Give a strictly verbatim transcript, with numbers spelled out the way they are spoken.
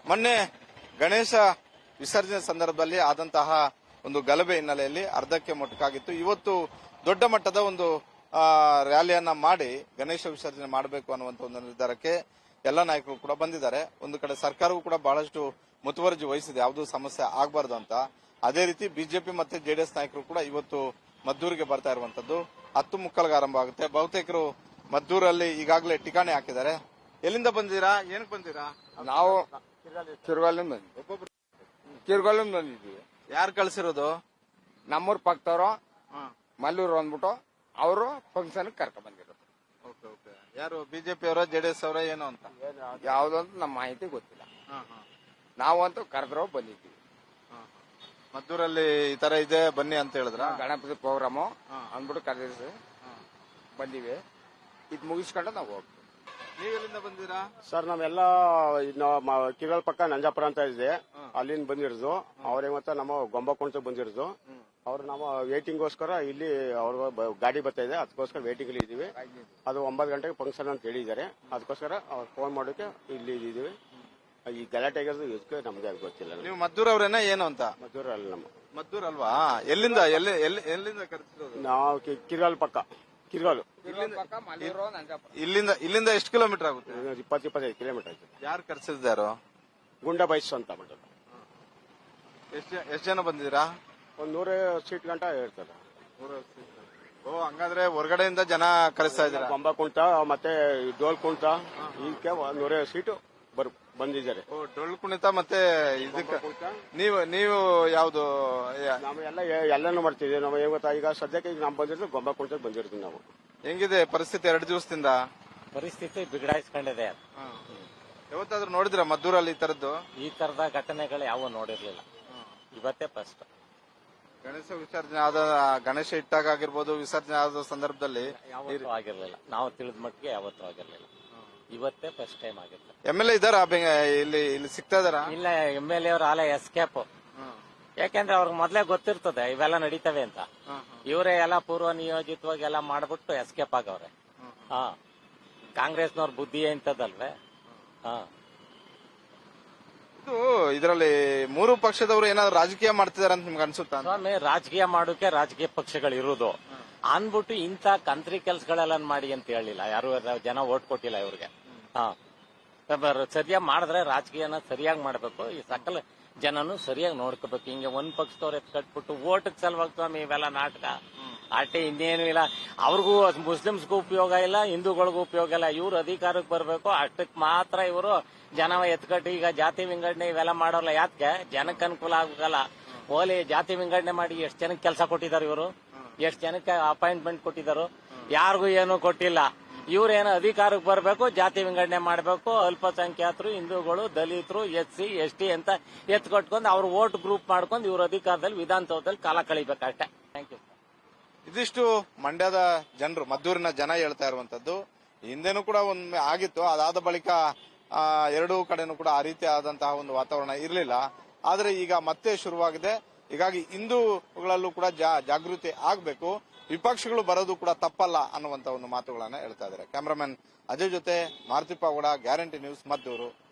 ಮೊನ್ನೆ ಗಣೇಶ ವಿಸರ್ಜನೆ ಸಂದರ್ಭದಲ್ಲಿ ಆದಂತಹ ಒಂದು ಗಲಭೆ ಹಿನ್ನೆಲೆಯಲ್ಲಿ ಅರ್ಧಕ್ಕೆ ಮೊಟಕಾಗಿತ್ತು. ಇವತ್ತು ದೊಡ್ಡ ಮಟ್ಟದ ಒಂದು ರ್ಯಾಲಿಯನ್ನ ಮಾಡಿ ಗಣೇಶ ವಿಸರ್ಜನೆ ಮಾಡಬೇಕು ಅನ್ನುವಂತ ಒಂದು ನಿರ್ಧಾರಕ್ಕೆ ಎಲ್ಲ ನಾಯಕರು ಕೂಡ ಬಂದಿದ್ದಾರೆ. ಒಂದು ಕಡೆ ಸರ್ಕಾರವೂ ಕೂಡ ಬಹಳಷ್ಟು ಮುತುವರ್ಜಿ ವಹಿಸಿದೆ, ಯಾವುದೂ ಸಮಸ್ಯೆ ಆಗಬಾರದು ಅಂತ. ಅದೇ ರೀತಿ ಬಿಜೆಪಿ ಮತ್ತೆ ಜೆಡಿಎಸ್ ನಾಯಕರು ಕೂಡ ಇವತ್ತು ಮದ್ದೂರಿಗೆ ಬರ್ತಾ ಇರುವಂತದ್ದು. ಹತ್ತು ಮುಕ್ಕಲ್ಗೆ ಆರಂಭ ಆಗುತ್ತೆ. ಬಹುತೇಕರು ಮದ್ದೂರಲ್ಲಿ ಈಗಾಗಲೇ ಠಿಕಾಣೆ ಹಾಕಿದ್ದಾರೆ. ಎಲ್ಲಿಂದ ಬಂದಿರಾ, ಏನಕ್ಕೆ ಬಂದಿರಾ? ನಾವು ಕಿರ್ಗಾಲಿಂದ ಬಂದಿದ್ದೀವಿ. ಕಿರ್ಗಾಲಿಂದ ಬಂದಿದ್ದೀವಿ. ಯಾರು ಕಳ್ಸಿರೋದು? ನಮ್ಮೂರ್ ಪಕ್ಕದವರು ಮಲ್ಲೂರು ಅಂದ್ಬಿಟ್ಟು ಅವರು ಫಂಕ್ಷನ್ ಕರ್ಕೊಂಡ್ ಬಂದಿರೋದು. ಯಾರು ಬಿಜೆಪಿ ಅವರ ಜೆಡಿಎಸ್ ಅವರ ಏನು ಅಂತ ಯಾವ್ದಂತ ನಮ್ಮ ಮಾಹಿತಿ ಗೊತ್ತಿಲ್ಲ. ನಾವಂತೂ ಕರೆದ್ರೋ ಬಂದಿದ್ದೀವಿ. ಮದ್ದೂರಲ್ಲಿ ಈ ತರ ಇದೆ ಬನ್ನಿ ಅಂತ ಹೇಳಿದ್ರ ಗಣಪತಿ ಪ್ರೋಗ್ರಾಮು ಅಂದ್ಬಿಟ್ಟು ಕರೆದಿಸಿ ಬಂದಿವಿ. ಇದು ಮುಗಿಸ್ಕೊಂಡು ನಾವು ಹೋಗ್ತೀವಿ. ನೀವೆಲ್ಲಿಂದ ಬಂದಿರಾ ಸರ್? ನಾವೆಲ್ಲ ಕಿರಲ್ ಪಕ್ಕ ನಂಜಾಪುರ ಅಂತ ಇದೆ, ಅಲ್ಲಿಂದ ಬಂದಿರೋದು. ಅವ್ರಿಗೆ ಮತ್ತೆ ನಮ್ಮ ಗೊಂಬಕೊಂಡ ಬಂದಿರೋದು. ಅವ್ರು ನಾವು ವೇಟಿಂಗ್ಗೋಸ್ಕರ ಇಲ್ಲಿ ಅವ್ರ ಗಾಡಿ ಬರ್ತಾ ಇದೆ, ಅದಕ್ಕೋಸ್ಕರ ವೇಟಿಂಗ್ ಅಲ್ಲಿ ಇದೀವಿ. ಅದು ಒಂಬತ್ತು ಗಂಟೆಗೆ ಫಂಕ್ಷನ್ ಅಂತ ಹೇಳಿದ್ದಾರೆ, ಅದಕ್ಕೋಸ್ಕರ ಅವ್ರು ಫೋನ್ ಮಾಡೋಕೆ ಇಲ್ಲಿ ಇದೀವಿ. ಈ ಗಲಾಟೆ ಆಗಿರೋದು ಇದಕ್ಕೆ ನಮ್ಗೆ ಗೊತ್ತಿಲ್ಲ. ನೀವು ಮದ್ದೂರ್ ಅವ್ರೇನ ಏನು ಅಂತ? ಮದ್ದೂರ್ ಅಲ್ಲ, ನಮ್ಮ ಮದ್ದೂರ್ ಅಲ್ವಾ? ಎಲ್ಲಿಂದ ಎಲ್ಲಿ ಎಲ್ಲಿಂದ ಕರೆಸಿರೋದು? ನಾವು ಕಿರ್ಗಾಲ್ ಪಕ್ಕ, ಕಿರ್ಗಾಲು. ಇಲ್ಲಿಂದ ಇಲ್ಲಿಂದ ಎಷ್ಟು ಕಿಲೋಮೀಟರ್ ಆಗುತ್ತೆ? ಇಪ್ಪತ್ತು ಇಪ್ಪತ್ತೈದು ಕಿಲೋಮೀಟರ್ ಆಯ್ತು. ಯಾರು ಕರೆಸಿದ್ದಾರೋ? ಗುಂಡ ಬೈಸ್ ಅಂತ ಬಿಟ್ಟು. ಎಷ್ಟು ಎಷ್ಟು ಜನ ಬಂದಿದ್ದೀರಾ? ಒಂದ್ ನೂರ ಸೀಟ್ ಗಂಟ ಹೇಳ್ತಾರೆ. ಓ, ಹಂಗಾದ್ರೆ ಹೊರಗಡೆಯಿಂದ ಜನ ಕರೆಸ್ತಾ ಇದ್ದಾರೆ. ಗೊಂಬ ಕುಂಟ ಮತ್ತೆ ಡೋಲ್ ಕುಂಟ ಇದಕ್ಕೆ ನೂರ ಸೀಟು ಬರ್ ಬಂದಿದ್ದಾರೆ. ಓ, ಡೊಳ್ಳು ಕುಣಿತ ಮತ್ತೆ ಇದಕ್ಕೆ ನೀವು ನೀವು ಯಾವ್ದು? ನಾವು ಎಲ್ಲ ಎಲ್ಲಾನು ಮಾಡ್ತಿದ್ವಿ. ನಾವು ಏನ್ ಗೊತ್ತಾ, ಈಗ ಸದ್ಯಕ್ಕೆ ಈಗ ನಾವು ಬಂದಿರೋದು ಗೊಂಬ ಕುಂಟಕ್ಕೆ ಬಂದಿರ್ತೀವಿ ನಾವು. ಹೆಂಗಿದೆ ಪರಿಸ್ಥಿತಿ ಎರಡು ದಿವಸದಿಂದ? ಪರಿಸ್ಥಿತಿ ಬಿಗಡಾಯಿಸ್ಕೊಂಡಿದೆ. ಯಾವತ್ತಾದ್ರೂ ನೋಡಿದ್ರ ಮದ್ದೂರಲ್ಲಿ ಈ ತರದ್ದು? ಈ ತರದ ಘಟನೆಗಳು ಯಾವ ನೋಡಿರ್ಲಿಲ್ಲ, ಇವತ್ತೇ ಫಸ್ಟ್. ಗಣೇಶ ವಿಸರ್ಜನೆ ಆದ ಗಣೇಶ ಇಟ್ಟಾಗ ಆಗಿರ್ಬೋದು, ವಿಸರ್ಜನೆ ಆದ ಸಂದರ್ಭದಲ್ಲಿ ಯಾವತ್ತೂ ಆಗಿರ್ಲಿಲ್ಲ. ನಾವು ತಿಳಿದ ಮಟ್ಟಿಗೆ ಯಾವತ್ತೂ ಆಗಿರ್ಲಿಲ್ಲ, ಇವತ್ತೇ ಫಸ್ಟ್ ಟೈಮ್ ಆಗಿರ್ಲಿಲ್ಲ. ಎಂ ಎಲ್ ಎ ಇದ್ದಾರ ಇಲ್ಲಿ ಇಲ್ಲಿ ಸಿಗ್ತಾ ಇದಾರ? ಇಲ್ಲ, ಎಂ ಎಲ್ ಎ ಅವ್ರ ಆಲ ಎಸ್ಕೇಪ್. ಯಾಕೆಂದ್ರೆ ಅವ್ರಿಗೆ ಮೊದ್ಲೇ ಗೊತ್ತಿರ್ತದೆ ಇವೆಲ್ಲ ನಡೀತವೆ ಅಂತ. ಇವರೇ ಎಲ್ಲ ಪೂರ್ವ ನಿಯೋಜಿತವಾಗಿ ಎಲ್ಲ ಮಾಡ್ಬಿಟ್ಟು ಎಸ್ಕೇಪ್ ಆಗವ್ರೆ. ಹಾ, ಕಾಂಗ್ರೆಸ್ನವ್ರ ಬುದ್ಧಿ ಇಂಥದ್ದಲ್ವೇ? ಹಾ, ಇದು ಇದರಲ್ಲಿ ಮೂರು ಪಕ್ಷದವರು ಏನಾದ್ರು ರಾಜಕೀಯ ಮಾಡ್ತಿದಾರ ಅಂತ ನಿಮ್ಗೆ ಅನ್ಸುತ್ತಾ? ಸ್ವಾಮಿ, ರಾಜಕೀಯ ಮಾಡೋಕೆ ರಾಜಕೀಯ ಪಕ್ಷಗಳು ಇರುವುದು ಅನ್ಬಿಟ್ಟು ಇಂಥ ಕಂತ್ರಿ ಕೆಲ್ಸಗಳೆಲ್ಲ ಮಾಡಿ ಅಂತ ಹೇಳಿಲ್ಲ ಯಾರು. ಜನ ಓಟ್ ಕೊಟ್ಟಿಲ್ಲ ಇವ್ರಿಗೆ. ಹಾ, ಸರಿಯಾಗಿ ಮಾಡಿದ್ರೆ ರಾಜಕೀಯನ ಸರಿಯಾಗಿ ಮಾಡ್ಬೇಕು. ಈ ಸಕಲ ಜನನು ಸರಿಯಾಗಿ ನೋಡ್ಕೋಬೇಕು. ಹಿಂಗೆ ಒಂದ್ ಪಕ್ಷದವ್ರು ಎತ್ ಕಟ್ಬಿಟ್ಟು ಓಟಕ್ ಸಲುವಾಗಿ ಸ್ವಾಮಿ ಇವೆಲ್ಲ ನಾಟಕ ಆಟೆ, ಇನ್ನೇನು ಇಲ್ಲ. ಅವ್ರಿಗೂ ಮುಸ್ಲಿಮ್ಸ್ಗೂ ಉಪಯೋಗ ಇಲ್ಲ, ಹಿಂದೂಗಳಿಗೂ ಉಪಯೋಗ ಇಲ್ಲ. ಇವ್ರು ಅಧಿಕಾರಕ್ಕೆ ಬರಬೇಕು ಅಷ್ಟಕ್ಕೆ ಮಾತ್ರ ಇವರು ಜನ ಎತ್ಕಟ್ಟು ಈಗ ಜಾತಿ ವಿಂಗಡಣೆ ಇವೆಲ್ಲ ಮಾಡೋಲ್ಲ. ಯಾಕೆ? ಜನಕ್ಕೆ ಅನುಕೂಲ ಆಗಲ್ಲ. ಓಲಿ ಜಾತಿ ವಿಂಗಡಣೆ ಮಾಡಿ ಎಷ್ಟು ಜನಕ್ಕೆ ಕೆಲಸ ಕೊಟ್ಟಿದ್ದಾರೆ ಇವರು? ಎಷ್ಟು ಜನಕ್ಕೆ ಅಪಾಯಿಂಟ್ಮೆಂಟ್ ಕೊಟ್ಟಿದ್ದಾರೆ? ಯಾರಿಗೂ ಏನು ಕೊಟ್ಟಿಲ್ಲ. ಇವ್ರೇನು ಅಧಿಕಾರಕ್ಕೆ ಬರಬೇಕು, ಜಾತಿ ವಿಂಗಡಣೆ ಮಾಡಬೇಕು, ಅಲ್ಪಸಂಖ್ಯಾತರು, ಹಿಂದೂಗಳು, ದಲಿತರು, ಎಸ್ ಸಿ ಎಸ್ ಟಿ ಅಂತ ಎತ್ ಕಟ್ಕೊಂಡು ಅವ್ರು ವೋಟ್ ಗ್ರೂಪ್ ಮಾಡ್ಕೊಂಡು ಇವ್ರ ಅಧಿಕಾರದಲ್ಲಿ ವಿಧಾನಸೌಧದಲ್ಲಿ ಕಾಲ ಕಳಿಬೇಕಷ್ಟೇ. Thank you. ಇದಿಷ್ಟು ಮಂಡ್ಯದ ಜನರು, ಮದ್ದೂರಿನ ಜನ ಹೇಳ್ತಾ ಇರುವಂತದ್ದು. ಹಿಂದೆನೂ ಕೂಡ ಒಮ್ಮೆ ಆಗಿತ್ತು, ಅದಾದ ಬಳಿಕ ಎರಡೂ ಕಡೆನೂ ಕೂಡ ಆ ರೀತಿ ಆದಂತಹ ಒಂದು ವಾತಾವರಣ ಇರಲಿಲ್ಲ. ಆದ್ರೆ ಈಗ ಮತ್ತೆ ಶುರುವಾಗಿದೆ. ಹೀಗಾಗಿ ಹಿಂದೂಗಳಲ್ಲೂ ಕೂಡ ಜಾಗೃತಿ ಆಗಬೇಕು, ವಿಪಕ್ಷಗಳು ಬರೋದು ಕೂಡ ತಪ್ಪಲ್ಲ ಅನ್ನುವಂತ ಒಂದು ಮಾತುಗಳನ್ನ ಹೇಳ್ತಾ ಇದ್ದಾರೆ. ಕ್ಯಾಮರಾಮನ್ ಅಜಯ್ ಜೊತೆ ಮಾರುತಿಪ್ಪ ಗೌಡ, ಗ್ಯಾರಂಟಿ ನ್ಯೂಸ್, ಮದ್ದೂರು.